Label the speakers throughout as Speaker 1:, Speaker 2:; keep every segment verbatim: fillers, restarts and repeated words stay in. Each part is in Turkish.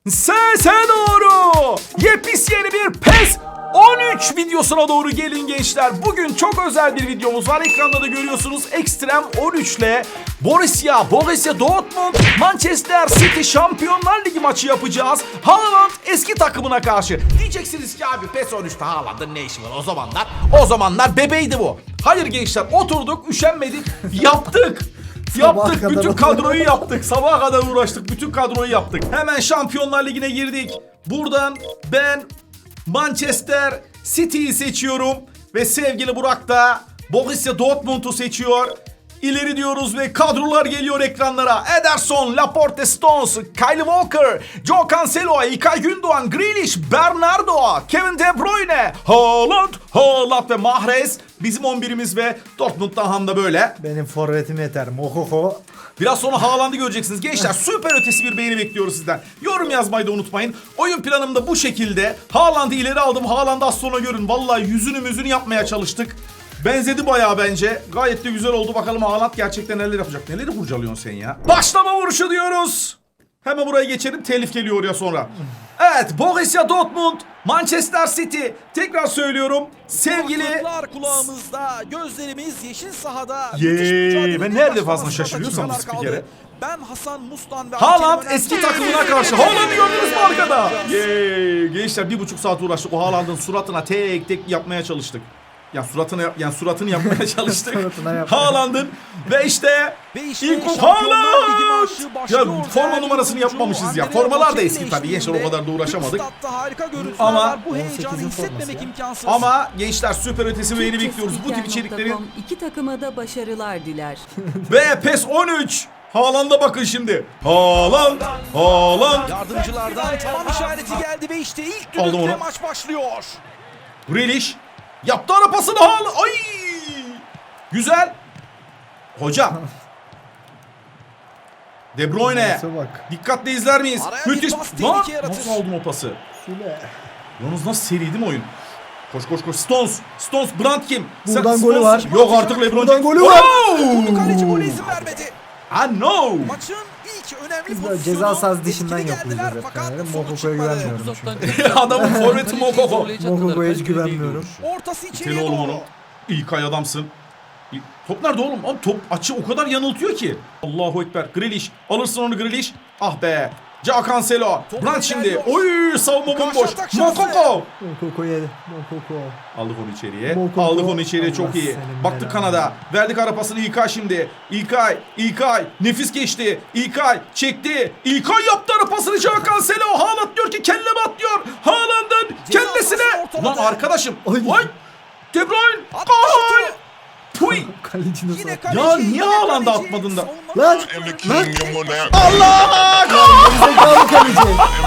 Speaker 1: Sese doğru. Yepis yeni bir PES on üç videosuna doğru gelin gençler. Bugün çok özel bir videomuz var. Ekranda da görüyorsunuz. Extreme on üç ile Borussia, Borussia Dortmund, Manchester City Şampiyonlar Ligi maçı yapacağız. Haaland eski takımına karşı. Diyeceksiniz ki abi PES on üçte Haaland'ın ne işi var o zamanlar? O zamanlar bebeydi bu. Hayır gençler, oturduk, üşenmedik, yaptık. Yaptık, bütün kadroyu yaptık. Sabaha kadar uğraştık, bütün kadroyu yaptık. Hemen Şampiyonlar Ligi'ne girdik. Buradan ben Manchester City'yi seçiyorum. Ve sevgili Burak da Borussia Dortmund'u seçiyor. İleri diyoruz ve kadrolar geliyor ekranlara. Ederson, Laporte, Stones, Kyle Walker, Joe Cancelo, İlkay Gündoğan, Grealish, Bernardo, Kevin De Bruyne, Haaland, Haaland ve Mahrez. Bizim on birimiz ve Dortmund'dan ham da böyle.
Speaker 2: Benim forvetim yeter. Mokoko.
Speaker 1: Biraz sonra Haaland'ı göreceksiniz. Gençler süper ötesi bir beğeni bekliyoruz sizden. Yorum yazmayı da unutmayın. Oyun planım da bu şekilde. Haaland'ı ileri aldım. Haaland'ı az sonra görün. Vallahi yüzünü müzünü yapmaya çalıştık. Benzedi bayağı bence. Gayet de güzel oldu. Bakalım Haaland gerçekten neler yapacak. Neleri kurcalıyorsun sen ya? Başlama vuruşu diyoruz. Hemen buraya geçelim. Telif geliyor ya sonra. Evet, Borussia Dortmund, Manchester City. Tekrar söylüyorum. Sevgili...
Speaker 3: Kulaklar kulağımızda, gözlerimiz yeşil sahada.
Speaker 1: Yeee, ben nerede fazla şaşırıyorsam bu spikere.
Speaker 3: Ben Hasan Mustan ve
Speaker 1: Haaland eski takımına karşı. Haaland'ı gördünüz mü arkada? Yeee, gençler bir buçuk saat uğraştık. O Haaland'ın suratına tek tek yapmaya çalıştık. Yani suratını yani suratını yapmaya çalıştık. Haaland'ın ve işte ilk o Haaland. Ya forma numarasını yapmamışız ya. Formalar da eski tabii. Gençler o kadar da uğraşamadık. Ama
Speaker 3: bu heyecanı hissetmemek imkansız.
Speaker 1: Ama gençler süper ötesi beğeni bekliyoruz. Bu tip içeriklerin
Speaker 4: iki takıma da başarılar diler.
Speaker 1: ve PES on üç. Haaland'a bakın şimdi. Haaland, Haaland.
Speaker 3: Yardımcılardan tamam işareti geldi ve işte ilk
Speaker 1: Aldım
Speaker 3: düdükle
Speaker 1: onu.
Speaker 3: maç başlıyor.
Speaker 1: Grealish yaptı ara pasını Haaland. Ay! Güzel. Hocam. De Bruyne.
Speaker 2: Nasıl bak.
Speaker 1: Dikkatle izler miyiz?
Speaker 3: Araya bir
Speaker 1: Müthiş.
Speaker 3: pas
Speaker 1: Lan
Speaker 3: tehlike yaratır.
Speaker 1: nasıl aldım o pası?
Speaker 2: Süle.
Speaker 1: Yalnız nasıl seri değil mi oyun? Koş koş koş. Stones. Stones. Brandt kim?
Speaker 2: Buradan
Speaker 1: Sen-
Speaker 2: golü
Speaker 1: Stones-
Speaker 2: var.
Speaker 1: Yok artık LeBron.
Speaker 2: Buradan golü var.
Speaker 1: Oh!
Speaker 3: Kaleci gole izin vermedi.
Speaker 1: I know.
Speaker 3: Maçın ilk önemli
Speaker 2: Biz de
Speaker 3: pozisyonu
Speaker 2: ceza sahası dışından
Speaker 3: etkili
Speaker 2: yapıyoruz
Speaker 3: geldiler
Speaker 2: hep.
Speaker 3: fakat
Speaker 2: Yani.
Speaker 3: sonuç
Speaker 2: Mokoko'ya
Speaker 3: çıkmadı.
Speaker 2: güvenmiyorum çünkü.
Speaker 1: Adamın forveti Mokoko.
Speaker 2: Mokoko'ya hiç güvenmiyorum.
Speaker 3: Ortası içeriye
Speaker 1: Tele oğlum
Speaker 3: doğru.
Speaker 1: onu. İlkay adamsın. İ- Top nerede oğlum? Abi top açı o kadar yanıltıyor ki. Allahu Ekber. Grealish. Alırsın onu Grealish. Ah be. Joe Cancelo.
Speaker 3: Top
Speaker 1: Brandt şimdi.
Speaker 3: ilerliyor.
Speaker 1: Oy savunma
Speaker 3: Karşı
Speaker 1: bomboş.
Speaker 3: atak şansı.
Speaker 1: Mokoko.
Speaker 2: Mokoko yedi. Mokoko.
Speaker 1: Aldık onu içeriye.
Speaker 2: Mokoko.
Speaker 1: Aldık onu içeriye çok
Speaker 2: Allah
Speaker 1: iyi.
Speaker 2: senin
Speaker 1: Baktık
Speaker 2: belanı.
Speaker 1: Kanada. Verdik ara pasını İlkay şimdi. İlkay. İlkay. Nefis geçti. İlkay çekti. İlkay yaptı ara pasını Joe Cancelo. Haaland diyor ki kelleme atlıyor. Haaland'ın
Speaker 3: Ceza
Speaker 1: kellesine.
Speaker 3: sahası
Speaker 1: Lan
Speaker 3: ortaladı.
Speaker 1: arkadaşım.
Speaker 2: Ay.
Speaker 1: Vay. De Bruyne.
Speaker 3: Attı
Speaker 1: Gol.
Speaker 3: şutu.
Speaker 1: Puy.
Speaker 2: Kaleci nasıl
Speaker 3: Yine
Speaker 2: attı?
Speaker 3: kaleci,
Speaker 1: Ya niye
Speaker 3: yine
Speaker 1: Haaland'ı
Speaker 3: kaleci.
Speaker 1: atmadın da?
Speaker 3: Savunmanın
Speaker 2: Lan.
Speaker 3: arkasında.
Speaker 2: Lan.
Speaker 1: Allah! Gol!
Speaker 2: Zekalı kaleci.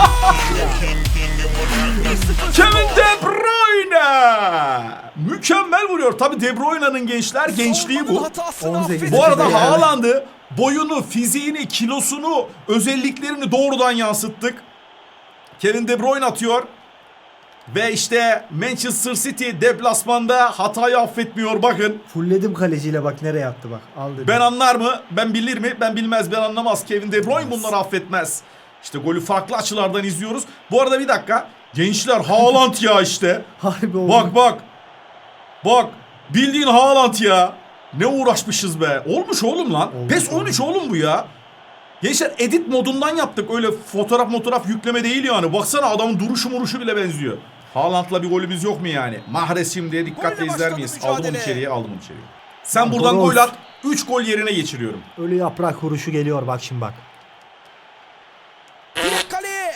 Speaker 1: Kevin De Bruyne! Mükemmel vuruyor. Tabii De Bruyne'nin gençler gençliği
Speaker 3: Savunmanın
Speaker 1: bu.
Speaker 3: hatasını
Speaker 2: on sekiz.
Speaker 3: affedin.
Speaker 1: Bu arada
Speaker 2: Yani.
Speaker 1: Haaland'ı boyunu, fiziğini, kilosunu, özelliklerini doğrudan yansıttık. Kevin De Bruyne atıyor. Ve işte Manchester City deplasmanda hatayı affetmiyor bakın.
Speaker 2: Fullledim kaleciyle bak nereye attı bak. Al dedim.
Speaker 1: Ben anlar mı? Ben bilir mi? Ben bilmez, ben anlamaz. Kevin De Bruyne bunları affetmez. İşte golü farklı açılardan izliyoruz. Bu arada bir dakika. Gençler Haaland ya işte.
Speaker 2: Harbi oldu.
Speaker 1: Bak bak. Bak. Bildiğin Haaland ya. Ne uğraşmışız be. Olmuş oğlum lan.
Speaker 2: Olmuş,
Speaker 1: PES on üç oğlum bu ya. Gençler edit modundan yaptık. Öyle fotoğraf fotoğraf yükleme değil yani. Baksana adamın duruşu muruşu bile benziyor. Haaland'la bir golümüz yok mu yani? Mahrez şimdi dikkatle
Speaker 3: Golle
Speaker 1: izler
Speaker 3: başladı
Speaker 1: miyiz?
Speaker 3: mücadele.
Speaker 1: Aldım onu içeriye, aldım onu içeriye. Sen
Speaker 2: Lan
Speaker 1: buradan
Speaker 2: Toros.
Speaker 1: gol at. üç gol yerine geçiriyorum.
Speaker 2: Ölü yaprak vuruşu geliyor bak şimdi bak.
Speaker 3: Direkt kale.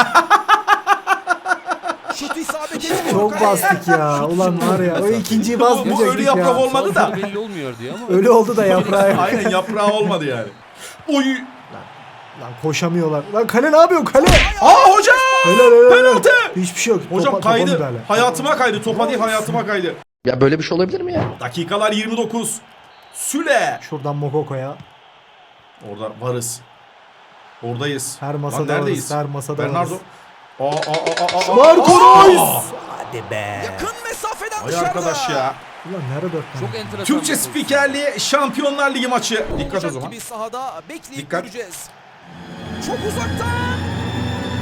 Speaker 3: Şut isabet etmiyor
Speaker 2: Çok
Speaker 3: kaleye.
Speaker 2: bastık ya. Ulan var ya. O ikinciyi
Speaker 1: Bu, bu
Speaker 2: basmayacaktık
Speaker 1: ölü
Speaker 2: ya.
Speaker 1: yaprak olmadı da.
Speaker 5: belli olmuyor diyor ama.
Speaker 2: Ölü oldu da yaprağı.
Speaker 1: Aynen yaprağı olmadı yani. Oy.
Speaker 2: Lan koşamıyorlar. Lan kale ne yapıyor kale?
Speaker 1: Aa hocam.
Speaker 2: Helal helal. helal.
Speaker 1: Penaltı.
Speaker 2: Hiçbir şey yok.
Speaker 1: Hocam
Speaker 2: Topa- topa
Speaker 1: kaydı.
Speaker 2: müdahale.
Speaker 1: Hayatıma kaydı. Topa değil hayatıma kaydı.
Speaker 5: Ya böyle bir şey olabilir mi ya?
Speaker 1: Dakikalar yirmi dokuz. Süle.
Speaker 2: Şuradan Mokoko'ya.
Speaker 1: Orada varız. Oradayız.
Speaker 2: Her
Speaker 1: Lan
Speaker 2: masada
Speaker 1: neredeyiz?
Speaker 2: varız. Her masada
Speaker 1: Bernardo.
Speaker 2: varız.
Speaker 1: Aa aa aa aa.
Speaker 2: Marco
Speaker 1: Aa!
Speaker 2: Reus. Hadi be.
Speaker 3: Yakın mesafeden
Speaker 1: Ay
Speaker 3: dışarıda.
Speaker 1: arkadaş ya.
Speaker 2: Ulan nerede dört tane?
Speaker 5: Çok enteresan.
Speaker 1: Türkçe
Speaker 5: bir pozisyon.
Speaker 1: spikerliği Şampiyonlar Ligi maçı. Dikkat o
Speaker 3: Olacak
Speaker 1: zaman.
Speaker 3: gibi sahada bekleyip
Speaker 1: Dikkat.
Speaker 3: göreceğiz. Çok uzaktan.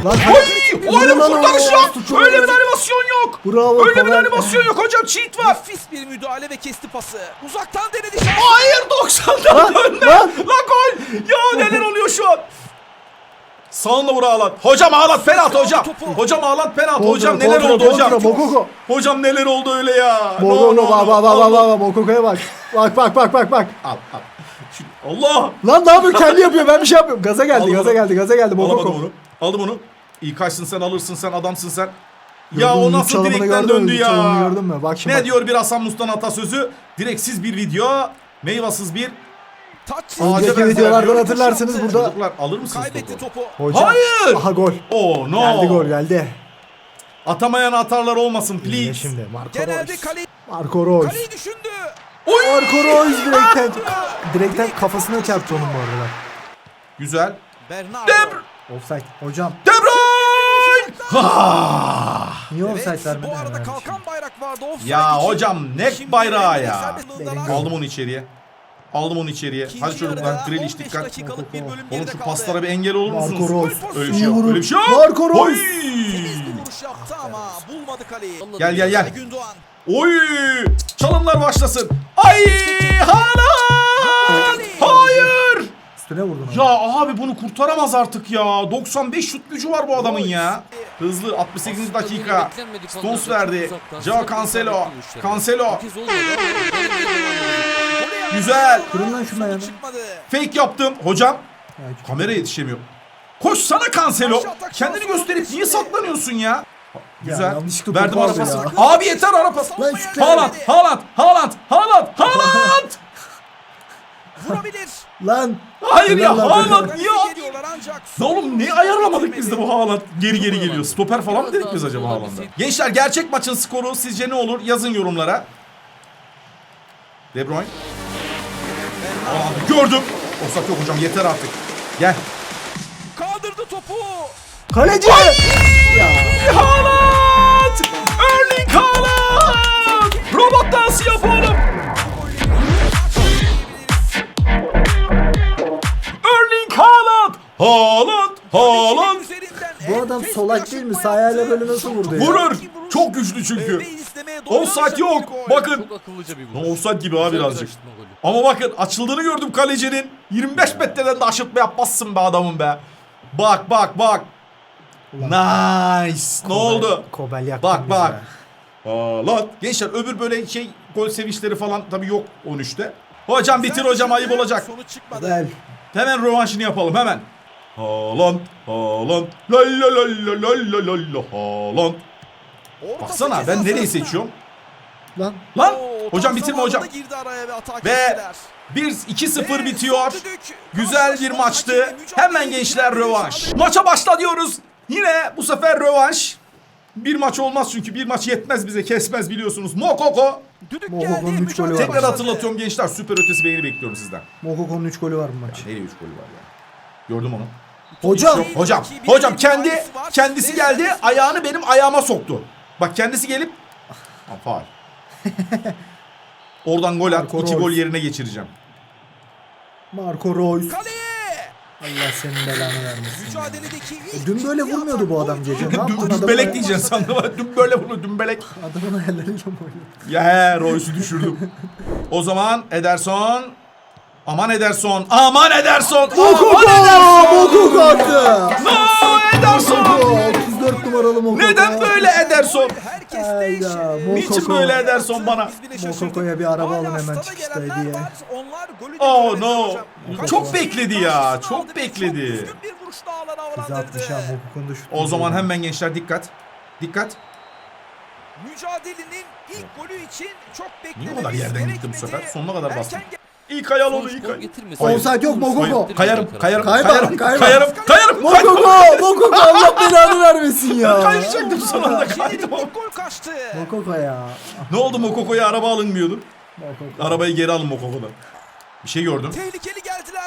Speaker 2: Lan
Speaker 1: Oy! Öyle bir
Speaker 2: Lan o-
Speaker 1: kurtarış
Speaker 2: o-
Speaker 1: yok.
Speaker 2: çok
Speaker 1: Öyle bir
Speaker 2: iyi.
Speaker 1: animasyon yok.
Speaker 2: Bravo,
Speaker 1: Öyle bir
Speaker 2: Kovel.
Speaker 1: animasyon yok hocam. Cheat var.
Speaker 3: Nefis bir müdahale ve kesti pası. Uzaktan denedi şansı.
Speaker 1: Hayır doksandan
Speaker 2: Lan,
Speaker 1: dönme.
Speaker 2: lan.
Speaker 1: Lan gol. Ya neler oluyor şu an? Sağında vur Haaland. Hocam Haaland penaltı hocam. Hocam Haaland penaltı. Hocam
Speaker 2: Kontra,
Speaker 1: neler
Speaker 2: kontra,
Speaker 1: oldu hocam?
Speaker 2: kontra, Mokoko.
Speaker 1: Hocam neler oldu öyle ya? No,
Speaker 2: Mokoko
Speaker 1: no,
Speaker 2: bak
Speaker 1: no.
Speaker 2: bak bak bak bak Mokoko'ya bak. Bak bak bak bak bak.
Speaker 1: Al al. Şu- Allah.
Speaker 2: Lan ne yapıyor kendi yapıyor ben bir şey yapıyorum. Gaza geldi
Speaker 1: Aldım
Speaker 2: gaza
Speaker 1: onu.
Speaker 2: geldi gaza geldi
Speaker 1: Alamadım
Speaker 2: Mokoko.
Speaker 1: onu. Aldım onu. İyi kaçsın sen, alırsın sen, adamsın sen. Ya
Speaker 2: Gördün mü?
Speaker 1: o nasıl
Speaker 2: Çalımını
Speaker 1: direkten
Speaker 2: gördün mü?
Speaker 1: döndü
Speaker 2: Çalımını
Speaker 1: ya?
Speaker 2: gördün mü? Bak şimdi
Speaker 1: Ne
Speaker 2: bak.
Speaker 1: diyor bir Hasan Mustan atasözü? Direksiz bir video, meyvasız bir
Speaker 3: Taç
Speaker 1: Ağaca
Speaker 2: Önceki
Speaker 1: benzer
Speaker 2: videolardan
Speaker 1: bir-
Speaker 2: hatırlarsınız burada.
Speaker 1: Çocuklar alır mısınız
Speaker 3: kaybetti
Speaker 1: topu?
Speaker 3: topu.
Speaker 2: Hocam.
Speaker 1: Hayır.
Speaker 2: Aha gol.
Speaker 1: Oh no.
Speaker 2: Geldi gol geldi.
Speaker 1: Atamayan atarlar olmasın
Speaker 2: İyi
Speaker 1: please.
Speaker 2: şimdi Marco
Speaker 3: Genelde
Speaker 2: Reus.
Speaker 3: kaleyi,
Speaker 2: Marco Reus.
Speaker 3: kaleyi düşündü.
Speaker 1: Oy!
Speaker 2: Marco Reus direkten direkten kafasına çarptı onun bu arada.
Speaker 1: Güzel.
Speaker 3: Bernardo.
Speaker 1: Debr
Speaker 2: Offside. Hocam
Speaker 1: De Bruyne! Ha!
Speaker 2: niye offside
Speaker 3: Evet,
Speaker 2: vermedin?
Speaker 3: bu arada
Speaker 2: yani?
Speaker 3: kalkan bayrak vardı. Offside
Speaker 1: Ya
Speaker 3: için.
Speaker 1: hocam ne
Speaker 3: Şimdi
Speaker 1: bayrağı ya.
Speaker 3: serbest alanlar.
Speaker 2: Benim
Speaker 1: Aldım onu içeriye. Aldım onu içeriye.
Speaker 3: İkinci
Speaker 1: Hadi çocuklar,
Speaker 3: yarıda
Speaker 1: Grealish
Speaker 3: on beş
Speaker 1: dikkat.
Speaker 3: dakikalık bir bölüm
Speaker 1: Oğlum
Speaker 3: geride
Speaker 1: şu
Speaker 3: kaldı.
Speaker 1: paslara bir engel olur
Speaker 2: Marco
Speaker 1: musunuz?
Speaker 2: Reus.
Speaker 1: Öyle bir şey
Speaker 2: İyi
Speaker 1: yok.
Speaker 2: vuruş.
Speaker 1: Öyle bir şey yok.
Speaker 2: Marco Reus.
Speaker 1: Oy!
Speaker 3: Temiz bir vuruş yaptı ama bulmadı kaleyi.
Speaker 1: Gel gel gel.
Speaker 3: Gündoğan.
Speaker 1: Oy! Çalımlar başlasın. Ay! Haaland! Hayır!
Speaker 2: Üstüne vurdun onu.
Speaker 1: Ya abi bunu kurtaramaz artık ya. doksan beş şut gücü var bu adamın ya. Hızlı altmış sekizinci dakika. Stones verdi. Joao Cancelo. Cancelo. Güzel.
Speaker 2: Kırın lan şunu ayağını.
Speaker 3: Çıkmadı.
Speaker 1: Fake yaptım. Hocam
Speaker 2: Ya,
Speaker 1: kameraya yetişemiyor. Koşsana Cancelo. Kendini gösterip niye saklanıyorsun ya? Güzel.
Speaker 2: yanlışlıkla
Speaker 1: Verdim
Speaker 2: topu
Speaker 1: ara
Speaker 2: aldı
Speaker 1: pası.
Speaker 2: ya.
Speaker 1: Abi yeter ara pası.
Speaker 2: Lan şu
Speaker 1: Haaland, Haaland, Haaland, Haaland, Haaland.
Speaker 3: Vurabilir.
Speaker 2: Lan.
Speaker 1: Hayır ya
Speaker 2: Helal lan.
Speaker 1: Haaland niye
Speaker 3: Kaleye
Speaker 1: abi?
Speaker 3: geliyorlar ancak.
Speaker 1: Ne oğlum ne ayarlamadık biz de bu Haaland geri geri geliyor. Stoper falan mı dedik biz acaba Haaland'a? Gençler gerçek maçın skoru sizce ne olur? Yazın yorumlara. De Bruyne. Aa, gördüm. Offside yok hocam yeter artık. Gel.
Speaker 3: Kaldırdı topu.
Speaker 2: Kaleci.
Speaker 1: Haaland! Erling Haaland! Robot dansı yap oğlum. Erling Haaland! Haaland! Haaland!
Speaker 3: Üzerinden
Speaker 2: Bu
Speaker 3: en
Speaker 2: adam
Speaker 3: pes
Speaker 2: solak
Speaker 3: bir
Speaker 2: değil mi?
Speaker 3: aşırtma
Speaker 2: Sağ ayağıyla
Speaker 3: yaptı.
Speaker 2: böyle nasıl vurdu ya?
Speaker 1: Vurur. Çok güçlü çünkü.
Speaker 3: Ve istemeye doyuran
Speaker 1: Offside yok.
Speaker 3: bir gol.
Speaker 1: Bakın.
Speaker 5: Çok akıllıca bir
Speaker 1: No,
Speaker 5: vuruş.
Speaker 1: offside gibi abi
Speaker 5: Güzel bir
Speaker 1: birazcık.
Speaker 5: aşırtma golü.
Speaker 1: Ama bakın açıldığını gördüm kalecinin. yirmi beş metreden de aşırtma yapmazsın be adamım be. Bak bak bak. Nice. Ne oldu?
Speaker 2: Kobel yaktı
Speaker 1: Bak
Speaker 2: bizi
Speaker 1: bak.
Speaker 2: ya.
Speaker 1: Haaland. Gençler öbür böyle şey gol sevinçleri falan tabii yok on üçte. Hocam bitir hocam ayıp olacak.
Speaker 3: Sonuç çıkmadı.
Speaker 2: Kobel.
Speaker 1: Hemen rövanşını yapalım hemen. Haaland. Haaland. La la la la la la la la Haaland.
Speaker 3: Ortası
Speaker 1: Baksana ben
Speaker 3: ceza
Speaker 1: nereyi
Speaker 3: sahasına.
Speaker 1: seçiyorum?
Speaker 2: Lan.
Speaker 1: Lan
Speaker 3: Oo,
Speaker 1: hocam
Speaker 3: tam
Speaker 1: bitirme hocam.
Speaker 3: zamanında girdi araya ve atak
Speaker 1: Ve
Speaker 3: ettiler.
Speaker 1: bir iki sıfır
Speaker 3: Ve
Speaker 1: bitiyor.
Speaker 3: son düdük.
Speaker 1: Güzel bir
Speaker 3: Karşılaşma
Speaker 1: maçtı.
Speaker 3: hakemi mücadele
Speaker 1: Hemen gençler
Speaker 3: ediyor.
Speaker 1: rövanş. Maça başla diyoruz. Yine bu sefer rövanş. Bir maç olmaz çünkü bir maç yetmez bize, kesmez biliyorsunuz. Mokoko.
Speaker 3: Düdük
Speaker 2: Mokoko'nun
Speaker 3: geldi.
Speaker 2: üç golü var.
Speaker 3: mücadele
Speaker 1: Tekrar
Speaker 3: başladı.
Speaker 1: hatırlatıyorum gençler. Süper ötesi beğeni bekliyorum sizden.
Speaker 2: Mokoko'nun üç golü var bu maç.
Speaker 1: Nereye üç golü var ya? Gördüm onu.
Speaker 2: Hocam.
Speaker 1: Yok, hocam.
Speaker 3: Rakibinin
Speaker 1: Hocam
Speaker 3: bir
Speaker 1: kendi
Speaker 3: müdahalesi var.
Speaker 1: kendisi
Speaker 3: Ve
Speaker 1: geldi.
Speaker 3: serbest
Speaker 1: Ayağını benim ayağıma soktu. Bak kendisi gelip Ha, faul. Oradan gol at.
Speaker 2: Marco
Speaker 1: iki
Speaker 2: Reus.
Speaker 1: gol yerine geçireceğim.
Speaker 2: Marco Reus.
Speaker 3: Kaleye.
Speaker 2: Allah senin belanı vermesin.
Speaker 3: Mücadeledeki ilk
Speaker 2: Dün böyle
Speaker 3: ciddi
Speaker 2: vurmuyordu bu
Speaker 3: atak
Speaker 2: adam
Speaker 3: oydu.
Speaker 2: gece. Ne
Speaker 1: Düm,
Speaker 2: yaptın adamı?
Speaker 1: dümbelek diyeceksin sandım. Dün böyle vurdu dümbelek.
Speaker 2: Adamın ayarlarıyla mı oynuyor?
Speaker 1: Ya he Royce'u düşürdüm. O zaman Ederson. Aman Ederson. Aman Ederson.
Speaker 2: Mokoko!
Speaker 1: Aman Ederson.
Speaker 2: Mokoko attı.
Speaker 1: No Ederson.
Speaker 2: Mokoko. otuz dört numaralı Mokoko.
Speaker 1: Neden böyle Ederson?
Speaker 3: Herkes
Speaker 2: Ay
Speaker 3: değişir.
Speaker 2: ya,
Speaker 1: Niçin
Speaker 2: Mokoko.
Speaker 1: böyle Ederson bana?
Speaker 3: Biz bile şaşırdık.
Speaker 2: Mokoko'ya bir araba
Speaker 3: Hala
Speaker 2: alın hemen
Speaker 3: stada
Speaker 2: çıkışta
Speaker 3: gelenler
Speaker 2: hediye.
Speaker 3: var. Onlar golü de
Speaker 1: Oh
Speaker 3: göremedi
Speaker 1: no.
Speaker 3: hocam.
Speaker 1: Çok bekledi ya.
Speaker 3: Karşısına
Speaker 1: Çok
Speaker 3: aldı ve
Speaker 1: bekledi.
Speaker 3: Çok düzgün bir vuruş daha alana
Speaker 2: Bizi atmış ha
Speaker 3: havalandırdı.
Speaker 2: Mokoko'nun da şutu.
Speaker 1: O zaman hemen gençler dikkat. Dikkat.
Speaker 3: Mücadelenin ilk golü için çok
Speaker 1: Niye
Speaker 3: beklememiz
Speaker 1: o kadar yerden gitti bu
Speaker 3: gerekmedi.
Speaker 1: sefer? Sonuna kadar bastım.
Speaker 3: Erken
Speaker 1: İlk ayağını
Speaker 5: Sonuç
Speaker 1: ilk
Speaker 5: gol
Speaker 1: ay.
Speaker 5: getirmesin.
Speaker 1: Hayır.
Speaker 2: Offside yok Mokoko.
Speaker 5: Hayır.
Speaker 1: Kayarım, kayarım,
Speaker 2: Kayma,
Speaker 1: kayarım,
Speaker 2: kayma.
Speaker 1: kayarım, kayarım,
Speaker 2: Mokoko! Mokoko Allah belanı vermesin ya.
Speaker 1: Kayacaktım son anda
Speaker 3: Jenner'in
Speaker 1: kaydım.
Speaker 3: ilk gol kaçtı.
Speaker 2: Mokoko ya.
Speaker 1: Ne oldu Mokoko'ya araba alınmıyordu?
Speaker 2: Mokoko.
Speaker 1: Arabayı geri alın Mokoko'dan. Bir şey gördüm.
Speaker 3: Tehlikeli geldiler.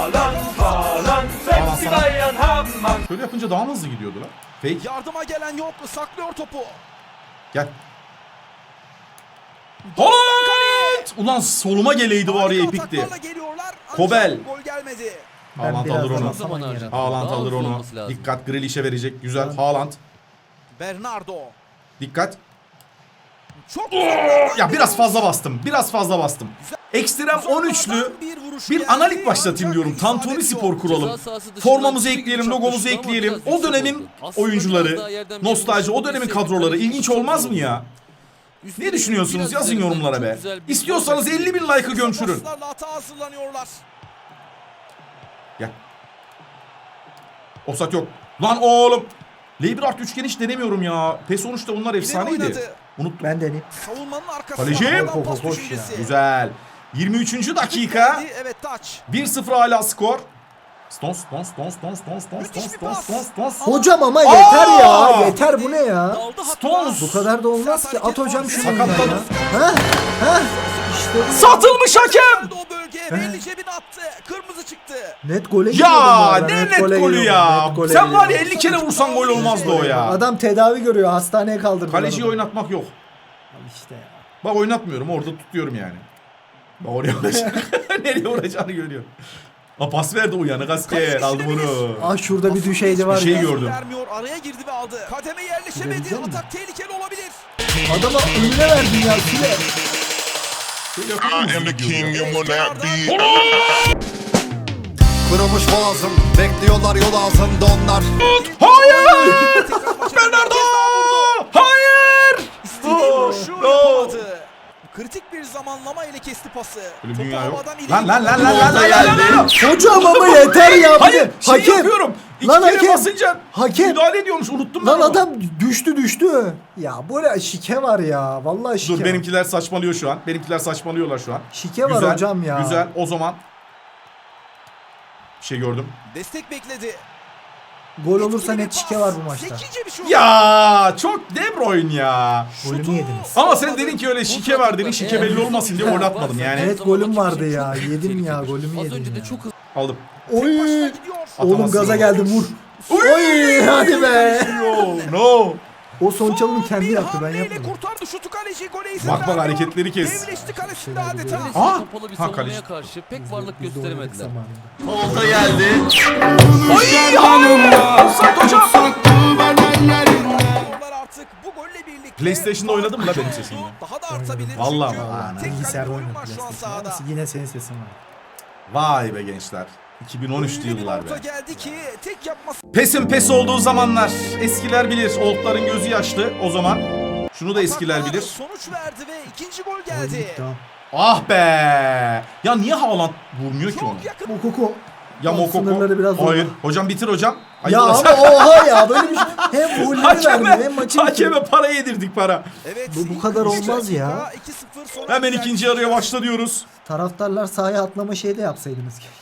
Speaker 1: Şöyle yapınca daha mı hızlı gidiyordu lan? Fake.
Speaker 3: Yardıma gelen yok. Saklıyor topu.
Speaker 1: Gel. Haaland! Ulan soluma geleydi var ya
Speaker 3: Harika
Speaker 1: epikti.
Speaker 3: ataklarla geliyorlar. Ancak
Speaker 1: Kobel.
Speaker 3: Gol gelmedi.
Speaker 2: Ben
Speaker 1: Haaland
Speaker 2: biraz
Speaker 1: alır
Speaker 2: daha
Speaker 1: onu.
Speaker 2: zaman yarattım.
Speaker 1: Haaland
Speaker 5: Daha
Speaker 1: alır
Speaker 5: hızlı
Speaker 1: onu.
Speaker 5: olması lazım.
Speaker 1: Dikkat, Grealish'e verecek. Güzel.
Speaker 2: Ben-
Speaker 1: Haaland.
Speaker 3: Bernardo.
Speaker 1: Dikkat.
Speaker 3: Çok
Speaker 1: Ya biraz fazla bastım. Biraz fazla bastım. Ekstrem on üçlü bir analik başlatayım diyorum. Tantuni Spor kuralım. Formamızı ekleyelim, logomuzu ekleyelim. O dönemin oyuncuları, nostalji, o dönemin kadroları ilginç olmaz mı ya? Ne düşünüyorsunuz? Yazın yorumlara be. İstiyorsanız elli bin like'ı gömçürün.
Speaker 3: Hata hazırlanıyorlar.
Speaker 1: Gel. Offside yok. Lan oğlum. Leibart üçgeni hiç denemiyorum ya. PES on üçte onlar efsaneydi.
Speaker 3: oynadı.
Speaker 1: Unuttum.
Speaker 2: Ben deneyim.
Speaker 3: Savunmanın arkasında
Speaker 1: Kaleci.
Speaker 3: Haaland pas
Speaker 2: Koş ya.
Speaker 3: düşüncesi.
Speaker 1: Güzel. yirmi üçüncü dakika.
Speaker 3: Evet taç.
Speaker 1: bir sıfır hala skor. Stones, Stones, Stones, Stones, Stones, Stones,
Speaker 3: Müthiş
Speaker 1: Stones,
Speaker 3: bir
Speaker 1: Stones,
Speaker 3: pas.
Speaker 1: Stones, Stones.
Speaker 2: Hocam ama
Speaker 1: Aa!
Speaker 2: yeter ya. Yeter bu ne ya?
Speaker 3: Daldı hatta.
Speaker 1: Stones.
Speaker 2: Bu kadar da olmaz
Speaker 3: Sert
Speaker 2: ki. At
Speaker 3: hareket
Speaker 2: hocam
Speaker 3: var.
Speaker 2: şunu
Speaker 1: Sakatladı.
Speaker 2: ya. Ha? Ha? İşte bu.
Speaker 1: Satılmış hakem.
Speaker 3: O bölgeye belli cebine attı. Kırmızı çıktı.
Speaker 2: Net gole gidiyordum bu
Speaker 1: Ya
Speaker 2: arada,
Speaker 1: ne net
Speaker 2: gole
Speaker 1: golü
Speaker 2: gidiyordum,
Speaker 1: ya.
Speaker 2: net gole
Speaker 1: Sen var ya
Speaker 2: gidiyordum.
Speaker 1: elli kere vursan gol olmazdı o ya.
Speaker 2: Adam tedavi görüyor. Hastaneye kaldırdılar.
Speaker 1: Kaleciyi
Speaker 2: adamı.
Speaker 1: oynatmak yok.
Speaker 2: Al İşte ya.
Speaker 1: Bak oynatmıyorum, orada tutuyorum yani. Bak oraya vuracak. Nereye vuracağını görüyor. Ha pas verdi uyanık asker. Aldı bunu.
Speaker 2: Ah şurada bir düşeydi var
Speaker 1: Bir şey
Speaker 2: ya.
Speaker 1: gördüm.
Speaker 3: Vermiyor. Araya girdi ve aldı. Kademe yerleşemedi.
Speaker 2: Görebilecek misin?
Speaker 3: Atak tehlikeli olabilir.
Speaker 2: Adama önüne verdin ya. Süle.
Speaker 6: I am the king and will not be.
Speaker 7: Kırılmış boğazım, bekliyorlar yol ağzında onlar.
Speaker 1: Hayır!
Speaker 3: Tekrar başarılı.
Speaker 1: Bernardo! Hayır!
Speaker 3: İstediği
Speaker 1: Oh,
Speaker 3: vuruşu
Speaker 1: no.
Speaker 3: yapamadı. Kritik bir zamanlama ile kesti pası.
Speaker 1: Böyle bir
Speaker 3: Topu
Speaker 1: dünya yok.
Speaker 3: havadan ileri
Speaker 1: Lan lan lan
Speaker 3: gitti.
Speaker 1: lan lan lan lan lan lan.
Speaker 2: Hocam ama yeter ya. Bir
Speaker 1: Hayır,
Speaker 2: de
Speaker 1: şey
Speaker 2: hakem.
Speaker 1: yapıyorum. İki
Speaker 2: Lan
Speaker 1: kere
Speaker 2: hakem.
Speaker 1: basınca
Speaker 2: Hakem.
Speaker 1: müdahale ediyormuş. Unuttum ben
Speaker 2: Lan
Speaker 1: onu.
Speaker 2: adam düştü düştü. Ya böyle şike var ya. Vallahi şike.
Speaker 1: Dur
Speaker 2: var.
Speaker 1: benimkiler saçmalıyor şu an. Benimkiler saçmalıyorlar şu an.
Speaker 2: Şike var
Speaker 1: Güzel,
Speaker 2: hocam ya.
Speaker 1: Güzel. O zaman bir şey gördüm.
Speaker 3: Destek bekledi.
Speaker 2: Gol olursa
Speaker 3: Etkili bir
Speaker 2: net şike
Speaker 3: pas.
Speaker 2: var bu maçta.
Speaker 3: Zekice bir şut.
Speaker 1: Ya çok De Bruyne ya.
Speaker 2: Golümü
Speaker 3: Şutu
Speaker 2: yediniz.
Speaker 1: Ama sen dedin ki öyle şike var dedin. Şike belli olmasın diye oynatmadım yani.
Speaker 2: Evet golüm vardı ya. Yedim ya golümü
Speaker 5: Az
Speaker 2: yedim
Speaker 5: önce de
Speaker 2: ya.
Speaker 5: çok hızlı.
Speaker 1: Aldım.
Speaker 3: Başına
Speaker 2: Oy.
Speaker 3: gidiyor.
Speaker 2: Oğlum
Speaker 1: Atamazsın.
Speaker 2: gaza geldim vur. Oy hadi be.
Speaker 1: No, no.
Speaker 2: O son çalımı
Speaker 3: Son
Speaker 2: kendi
Speaker 3: bir
Speaker 2: yaptı ben
Speaker 3: hamleyle
Speaker 2: yapmadım.
Speaker 3: kurtardı şutu kaleci gole izin
Speaker 1: Bak bak
Speaker 3: vermiyor.
Speaker 1: hareketleri kes.
Speaker 3: Devleşti kalesinde
Speaker 2: Şeyler
Speaker 3: adeta.
Speaker 2: biliyoruz.
Speaker 1: Aa!
Speaker 5: Kapalı bir
Speaker 1: Ha,
Speaker 5: savunmaya
Speaker 1: kaleci.
Speaker 5: karşı pek varlık
Speaker 2: Biz de oynadık
Speaker 5: gösteremediler.
Speaker 2: zamanında.
Speaker 1: Olta geldi. Oy hanımla. Offside hocam.
Speaker 3: Onlar artık bu golle birlikte
Speaker 1: PlayStation'da oynadım mı la benim sesimle?
Speaker 3: daha da artabilir.
Speaker 1: Vallahi
Speaker 3: çünkü
Speaker 1: bak.
Speaker 3: tek
Speaker 2: Bilgisayarda
Speaker 3: bir oyun
Speaker 2: oynadım
Speaker 3: var şu an
Speaker 2: PlayStation.
Speaker 3: sahada.
Speaker 2: Ama Yine senin sesin var.
Speaker 1: Vay be gençler. iki bin on üçlü
Speaker 3: Öyle bir
Speaker 1: yıllar
Speaker 3: orta
Speaker 1: be.
Speaker 3: geldi ki tek yapması
Speaker 1: Pes'in pes olduğu zamanlar. Eskiler bilir. Oldların gözü yaşlı o zaman. Şunu da eskiler
Speaker 3: Ataklar
Speaker 1: bilir.
Speaker 3: sonuç verdi ve ikinci gol
Speaker 2: Hadi
Speaker 3: geldi.
Speaker 2: tamam.
Speaker 1: Ah be. Ya niye Haaland vurmuyor ki onu?
Speaker 3: Çok yakın.
Speaker 2: Mokoko.
Speaker 1: Ya
Speaker 2: Bak,
Speaker 1: Mokoko.
Speaker 2: sınırları biraz zorla.
Speaker 1: Hayır. Hocam bitir hocam. Ay,
Speaker 2: Ya
Speaker 1: ulan-
Speaker 2: ama oha ya böyle bir şey. Hem golleri
Speaker 1: Hakeme,
Speaker 2: verdi hem maçı
Speaker 1: hakeme
Speaker 2: bitirdi.
Speaker 1: para yedirdik para.
Speaker 3: Evet.
Speaker 2: Bu- bu
Speaker 3: ilk
Speaker 2: kadar
Speaker 3: üç
Speaker 2: olmaz ya.
Speaker 3: dakika, iki sıfır sonra
Speaker 1: Hemen
Speaker 3: biten
Speaker 1: ikinci yarıya başla diyoruz.
Speaker 2: Taraftarlar sahaya atlama şeyi de yapsaydınız ki.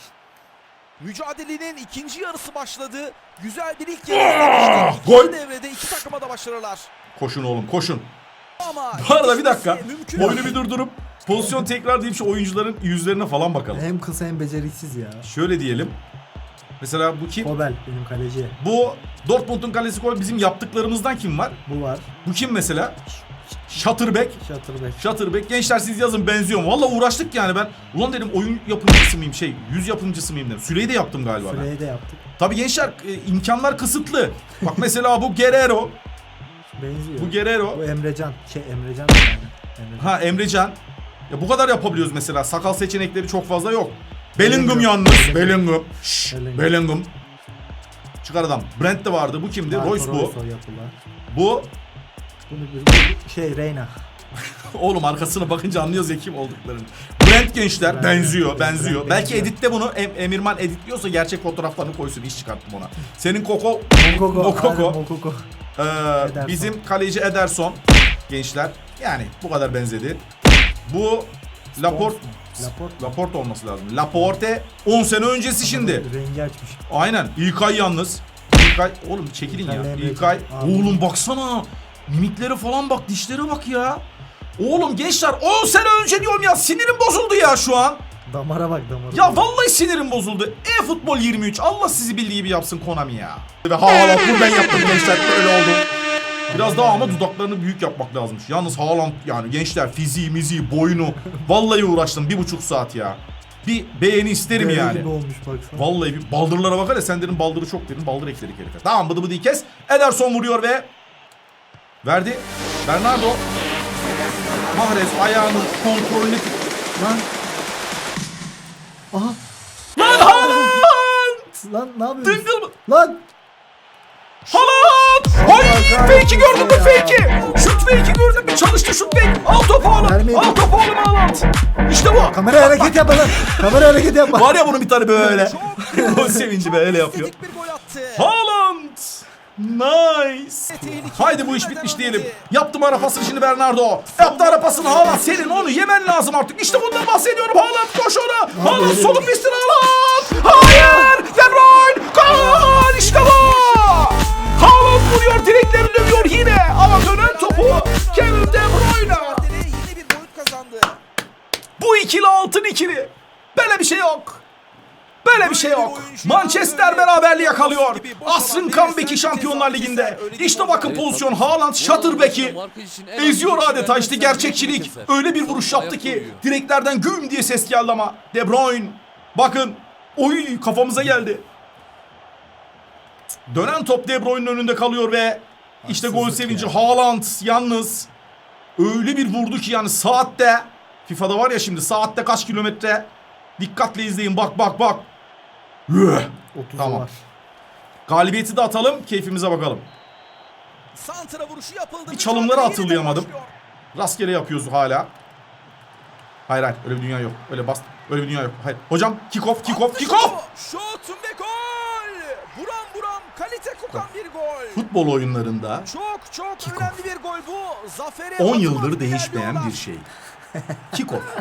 Speaker 3: Mücadelenin ikinci yarısı başladı. Güzel bir ilk yarı izlemiştik.
Speaker 1: Gol.
Speaker 3: İkinci devrede iki takıma da başarılar.
Speaker 1: Koşun oğlum koşun.
Speaker 3: Ama
Speaker 1: Bu arada bir dakika.
Speaker 3: yetişmesi mümkün
Speaker 1: Oyunu
Speaker 3: değil.
Speaker 1: bir durdurup pozisyon tekrar deyip şu oyuncuların yüzlerine falan bakalım.
Speaker 2: Hem kısa hem beceriksiz ya.
Speaker 1: Şöyle diyelim. Mesela bu kim?
Speaker 2: Kobel benim kaleci.
Speaker 1: Bu Dortmund'un kalesi gol bizim yaptıklarımızdan kim var?
Speaker 2: Bu var.
Speaker 1: Bu kim mesela? Schatterbeck.
Speaker 2: Şatırbeck.
Speaker 1: Schatterbeck. Gençler siz yazın benziyor mu? Valla uğraştık yani ben. Ulan dedim oyun yapımcısı mıyım şey yüz yapımcısı mıyım dedim. Süreyi de yaptım galiba ben.
Speaker 2: Süreyi de yaptık.
Speaker 1: Tabii gençler e, imkanlar kısıtlı. Bak mesela bu Guerrero.
Speaker 2: Benziyor.
Speaker 1: Bu Guerrero.
Speaker 2: Bu Emrecan. Şey Emrecan. mı yani? Emrecan.
Speaker 1: Ha Emrecan. Ya bu kadar yapabiliyoruz mesela. Sakal seçenekleri çok fazla yok. Bellingham
Speaker 2: Bellingham.
Speaker 1: yalnız. Bellingham. Şşş,
Speaker 2: Bellingham.
Speaker 1: Bellingham. Çıkar adam. Brent de vardı. Bu kimdi?
Speaker 2: Marco
Speaker 1: Royce bu.
Speaker 2: Royce o yapılan.
Speaker 1: Bu.
Speaker 2: Bunu bir şey Reyna.
Speaker 1: Oğlum arkasına bakınca anlıyoruz ya kim olduklarını. Brent gençler.
Speaker 2: Ben-
Speaker 1: benziyor.
Speaker 2: ben-
Speaker 1: Benziyor.
Speaker 2: ben-
Speaker 1: Belki
Speaker 2: benziyor.
Speaker 1: editte bunu Em- Emirman editliyorsa gerçek fotoğraflarını koysun. İş çıkarttım ona. Senin Koko.
Speaker 2: Mokoko.
Speaker 1: Mokoko.
Speaker 2: Aynen, Mokoko.
Speaker 1: Ee,
Speaker 2: Ederson.
Speaker 1: bizim kaleci Ederson. Gençler. Yani bu kadar benzedi. Bu Laporte.
Speaker 2: Laporte.
Speaker 1: Laporte olması lazım. Laporte on sene öncesi şimdi.
Speaker 2: Rengi açmış.
Speaker 1: Aynen. İlkay yalnız. İlkay. Oğlum çekilin ya.
Speaker 2: İlkay Emre
Speaker 1: İlkay.
Speaker 2: Can. Abi.
Speaker 1: Oğlum baksana. Mimikleri falan bak. Dişlere bak ya. Oğlum gençler on sene önce diyorum ya. Sinirim bozuldu ya şu an.
Speaker 2: Damara bak damara.
Speaker 1: Ya vallahi sinirim bozuldu. E-Futbol yirmi üç. Allah sizi bildiği gibi yapsın Konami ya. Ve Haaland buradan yaptım gençler. Böyle oldu. Biraz daha ama dudaklarını büyük yapmak lazımmış. Yalnız Haaland yani gençler fiziği, miziği, boyunu. Vallahi uğraştım bir buçuk saat ya. bir beğeni isterim
Speaker 2: Böyle
Speaker 1: yani.
Speaker 2: gibi olmuş baksana.
Speaker 1: Vallahi bir baldırlara bakar ya, sen dedim baldırı çok dedin, baldır ekledik herife. Tamam, bıdı bıdı kes. Ederson vuruyor ve verdi. Bernardo. Mahrez ayağının kontrolünü
Speaker 2: Lan. Aha.
Speaker 1: lan Haaland!
Speaker 2: Lan ne yapıyorsun?
Speaker 1: Dıngıl mı?
Speaker 2: Lan.
Speaker 1: Haaland! Ay, fake'i gördün mü, fake'i? Şut fake'i gördün mü? Çalıştı şut fake. Al topu oğlum.
Speaker 2: Vermeyin.
Speaker 1: Al topu oğlum Haaland. İşte bu.
Speaker 2: Kamera hareket yapma lan. Kamera hareket yapma.
Speaker 1: Var ya bunun bir tane böyle. O sevinci böyle yapıyor.
Speaker 3: İstedik bir gol attı.
Speaker 1: Haaland! Nice. Haydi bu iş bitmiş diyelim. Yaptım ara pasını şimdi Bernardo. Yaptı ara pasını Haaland. Senin onu yemen lazım artık. İşte bundan bahsediyorum. Haaland koş ona. Haaland solun pistin Haaland. Hayır. De Bruyne. Gol. İşte bu. Haaland vuruyor. Direkleri dövüyor yine. Ama dönen topu Kevin De Bruyne.
Speaker 3: Mücadele yine bir boyut kazandı.
Speaker 1: Bu ikili altın ikili. Böyle bir şey yok. Böyle bir şey yok. Manchester beraberliği yakalıyor. Asrın comeback'i Şampiyonlar Ligi'nde. İşte bakın pozisyon. Haaland Shutterback'i eziyor adeta. İşte gerçekçilik. Öyle bir vuruş yaptı ki direklerden güm diye ses geldi ama. De Bruyne. Bakın. Oy, kafamıza geldi. Dönen top De Bruyne'nin önünde kalıyor ve işte gol sevinci. Haaland yalnız öyle bir vurdu ki yani saatte, FIFA'da var ya şimdi, saatte kaç kilometre, dikkatle izleyin, bak bak bak. Üh.
Speaker 2: otuzu
Speaker 1: Tamam.
Speaker 2: var.
Speaker 1: Galibiyeti de atalım, keyfimize bakalım.
Speaker 3: Santra vuruşu yapıldı.
Speaker 1: Bir çalımları
Speaker 3: Mücadele yeniden
Speaker 1: hatırlayamadım.
Speaker 3: başlıyor.
Speaker 1: Rastgele yapıyoruz hala. Hayır hayır, öyle bir dünya yok. Öyle bast. Öyle bir dünya yok. Hayır. Hocam kick off, kick off,
Speaker 3: Attı
Speaker 1: kick
Speaker 3: şutu.
Speaker 1: off.
Speaker 3: Şut ve gol. Buram buram kalite kokan bir gol.
Speaker 1: Futbol oyunlarında
Speaker 3: Çok çok önemli bir gol bu. Zafere
Speaker 1: on
Speaker 3: adım
Speaker 1: yıldır
Speaker 3: adım
Speaker 1: değişmeyen
Speaker 3: ilerliyorlar.
Speaker 1: bir şey. Kick off.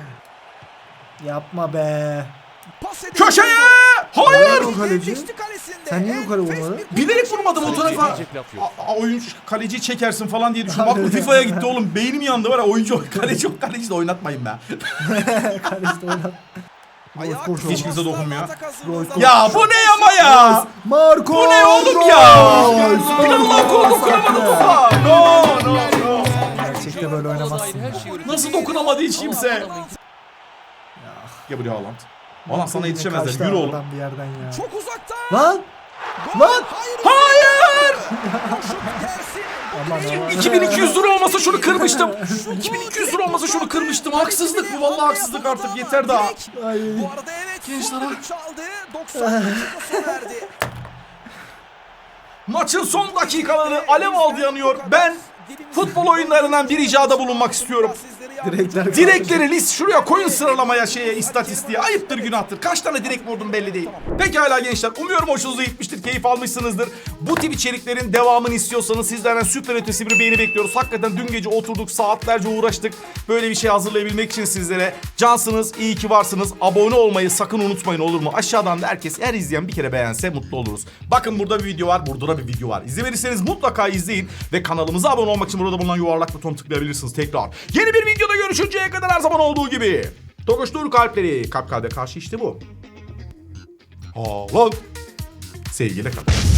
Speaker 2: Yapma be.
Speaker 3: Pas edildi.
Speaker 1: Köşeye! Hayır!
Speaker 2: Nerede o kaleci?
Speaker 3: Devleşti kalesinde.
Speaker 2: Sen niye yukarı
Speaker 3: Enfes
Speaker 2: vurmadın?
Speaker 3: bir
Speaker 1: Bilerek vurmadım o tarafa.
Speaker 5: Diyecek laf yok.
Speaker 1: A- a- oyuncu kaleciyi çekersin falan diye düşündüm. Aklım FIFA'ya gitti oğlum. Beynim yandı var ya, oyuncu kaleci yok, kaleci de oynatmayın be.
Speaker 2: Kalesi oynar.
Speaker 3: Ayağı
Speaker 2: Koş, koş,
Speaker 3: kısa
Speaker 1: Hiç kimse
Speaker 3: paslarla
Speaker 1: dokunmuyor.
Speaker 3: atak hazırlığında.
Speaker 1: Ya bu ne ama ya?
Speaker 2: Marco.
Speaker 1: Bu ne oğlum ya? Planlar kolu dokunamadı topa. No no no.
Speaker 2: Gerçekte böyle oynamazsın.
Speaker 5: Her şeyi öğrenecek.
Speaker 1: Nasıl dokunamadı hiç kimse?
Speaker 5: Adamın
Speaker 1: Gel buraya Haaland. Haaland sana
Speaker 2: Kaçtı
Speaker 1: yetişemezler. Yürü oğlum.
Speaker 2: adam bir yerden ya.
Speaker 3: Çok uzakta.
Speaker 2: Lan.
Speaker 3: Gol.
Speaker 2: Lan!
Speaker 3: Hayır.
Speaker 1: Hayır!
Speaker 3: Şut gelsin.
Speaker 2: Aman aman.
Speaker 1: iki bin iki yüz lira olmasa şunu kırmıştım. iki bin iki yüz lira olmasa şunu kırmıştım. Haksızlık bu, vallahi haksızlık artık, yeter daha.
Speaker 2: Ay.
Speaker 3: Bu arada evet.
Speaker 1: Gençler
Speaker 3: son
Speaker 1: ha.
Speaker 3: düdük çaldı. doksan dakika sona erdi.
Speaker 1: Maçın son dakikaları alev aldı yanıyor. Ben futbol oyunlarından bir icada bulunmak istiyorum.
Speaker 2: Direkler.
Speaker 1: Direkleri list şuraya koyun, sıralamaya, şeye, istatistiğe. Ayıptır, günahtır. Kaç tane direk vurdum belli değil. Pekala gençler, umuyorum hoşunuza gitmiştir, keyif almışsınızdır. Bu tip içeriklerin devamını istiyorsanız sizlerden süper ötesi bir beğeni bekliyoruz. Hakikaten dün gece oturduk, saatlerce uğraştık. Böyle bir şey hazırlayabilmek için sizlere. Cansınız, iyi ki varsınız. Abone olmayı sakın unutmayın, olur mu? Aşağıdan da herkes, her izleyen bir kere beğense mutlu oluruz. Bakın burada bir video var, burada da bir video var. İzlemediyseniz mutlaka izleyin ve kanalımıza abone olmak için burada bulunan yuvarlak butonu tıklayabilirsiniz tekrar. Yeni bir videoda görüşünceye kadar her zaman olduğu gibi. Tokuştur kalpleri. Kalp kalbe karşı işte bu. Haaland. Sevgiyle kalın.